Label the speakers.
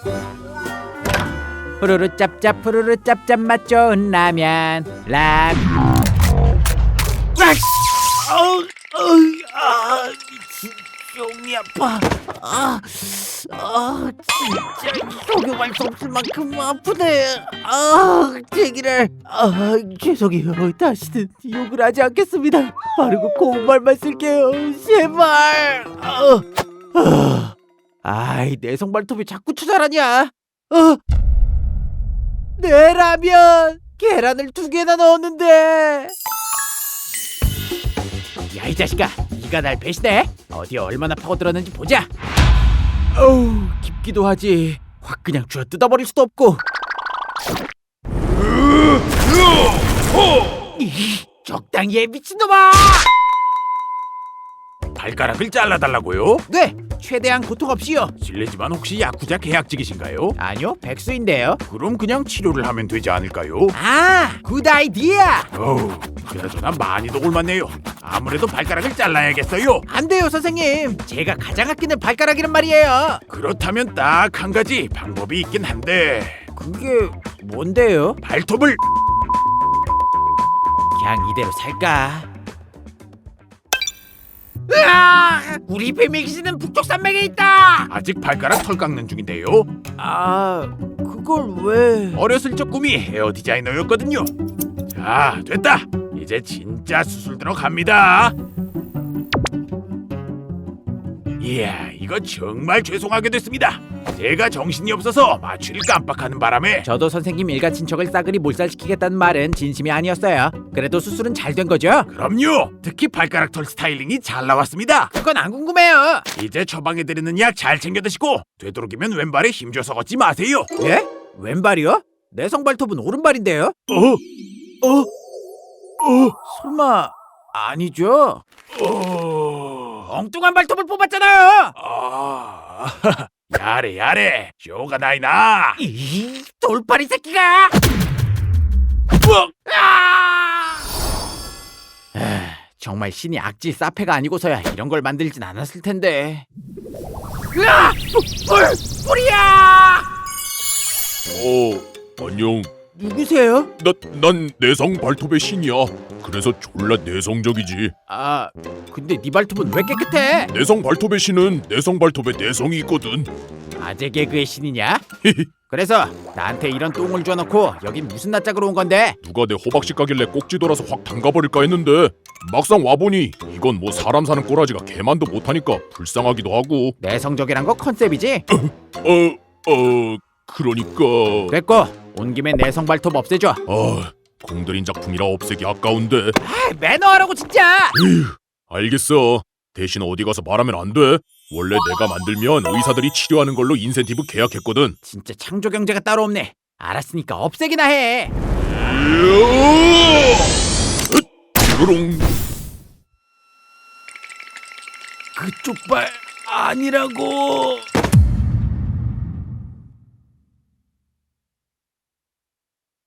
Speaker 1: 후루루 짭짭 후루루 짭짭 맛 좋은 라면
Speaker 2: 미친 종이 아파. 진짜 속여갈 수 없을 만큼 아프네. 제기를. 죄송해요. 다시는 욕을 하지 않겠습니다. 바르고 고운 말만 쓸게요. 제발. 아이, 내 성발톱이 자꾸 투자라냐? 내 라면 계란을 2개나 넣었는데. 야, 이 자식아, 네가 날 배신해? 어디 얼마나 파고들었는지 보자. 어우, 깊기도 하지. 확 그냥 쥐어 뜯어버릴 수도 없고. 적당히 해, 미친놈아!
Speaker 3: 발가락을 잘라달라고요?
Speaker 2: 네, 최대한 고통 없이요.
Speaker 3: 실례지만 혹시 야쿠자 계약직이신가요?
Speaker 2: 아니요, 백수인데요.
Speaker 3: 그럼 그냥 치료를 하면 되지 않을까요?
Speaker 2: 굿 아이디어.
Speaker 3: 어우, 그나저나 많이도 올맞네요. 아무래도 발가락을 잘라야겠어요.
Speaker 2: 안 돼요, 선생님. 제가 가장 아끼는 발가락이란 말이에요.
Speaker 3: 그렇다면 딱 한 가지 방법이 있긴 한데
Speaker 2: 그게 뭔데요?
Speaker 3: 발톱을
Speaker 2: 그냥 이대로 살까? 우리 비밀 기지는 북쪽 산맥에 있다.
Speaker 3: 아직 발가락 털 깎는 중인데요.
Speaker 2: 그걸 왜?
Speaker 3: 어렸을 적 꿈이 헤어 디자이너였거든요. 자, 됐다. 이제 진짜 수술 들어갑니다. 이야, 이거 정말 죄송하게 됐습니다. 제가 정신이 없어서 마취를 깜빡하는 바람에.
Speaker 2: 저도 선생님 일가 친척을 싸그리 몰살시키겠다는 말은 진심이 아니었어요. 그래도 수술은 잘 된 거죠?
Speaker 3: 그럼요. 특히 발가락 털 스타일링이 잘 나왔습니다.
Speaker 2: 그건 안 궁금해요.
Speaker 3: 이제 처방해드리는 약 잘 챙겨 드시고 되도록이면 왼발에 힘줘서 걷지 마세요.
Speaker 2: 예? 왼발이요? 내 성발톱은 오른발인데요? 설마 아니죠? 엉뚱한 발톱을 뽑았잖아요.
Speaker 3: 야래 야래 쇼가 나이나.
Speaker 2: 이 돌팔이 새끼가! 정말 신이 악질 사페가 아니고서야 이런 걸 만들진 않았을 텐데. 뿔이야!
Speaker 4: 안녕.
Speaker 2: 누구세요?
Speaker 4: 난 내성 발톱의 신이야. 그래서 졸라 내성적이지.
Speaker 2: 근데 네 발톱은 왜 깨끗해?
Speaker 4: 내성 발톱의 신은 내성 발톱에 내성이 있거든.
Speaker 2: 아재 개그의 신이냐? 그래서 나한테 이런 똥을 줘놓고 여긴 무슨 낯짝으로 온 건데?
Speaker 4: 누가 내 호박씨 가길래 꼭지 돌아서 확 담가버릴까 했는데 막상 와보니 이건 뭐 사람 사는 꼬라지가 개만도 못하니까 불쌍하기도 하고.
Speaker 2: 내성적이란 거 컨셉이지?
Speaker 4: 그러니까.
Speaker 2: 됐고 온 김에 내성 발톱 없애줘.
Speaker 4: 공들인 작품이라 없애기 아까운데.
Speaker 2: 매너하라고 진짜.
Speaker 4: 알겠어. 대신 어디 가서 말하면 안 돼. 원래 내가 만들면 의사들이 치료하는 걸로 인센티브 계약했거든.
Speaker 2: 진짜 창조 경제가 따로 없네. 알았으니까 없애기나 해.
Speaker 4: 으롱.
Speaker 3: 그쪽 발 아니라고.